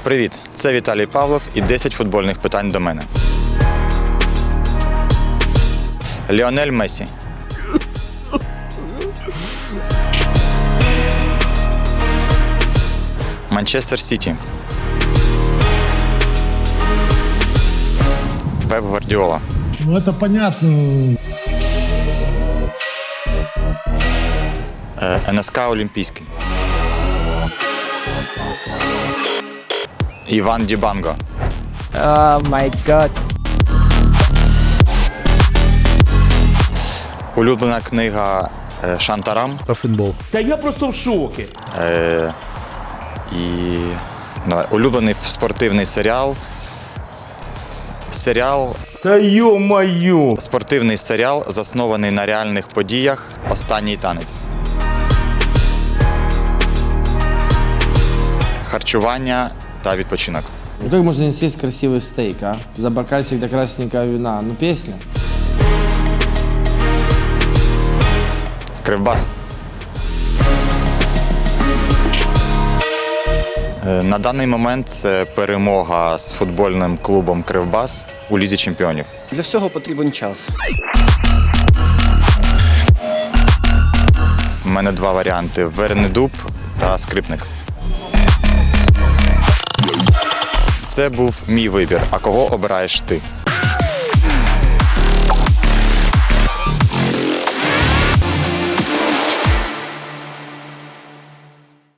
Привіт, це Віталій Павлов і 10 футбольних питань до мене. Ліонель Мессі. Манчестер Сіті. Пеп Гвардіола. Ну, это понятно. НСК Олімпійський. Іван Дібанго. Oh my god. Улюблена книга Шантарам. Про футбол. Та я просто в шокі. І улюблений спортивний серіал. Та йо-маю. Спортивний серіал, заснований на реальних подіях «Останній танець». Харчування та відпочинок. Ну как можно не съесть красивый стейк, а? За бокальчик до красненького вина. Ну песня. Кривбас. На даний момент це перемога з футбольним клубом «Кривбас» у Лізі чемпіонів. Для всього потрібен час. У мене два варіанти – Вернедуб та Скрипник. Це був мій вибір. А кого обираєш ти?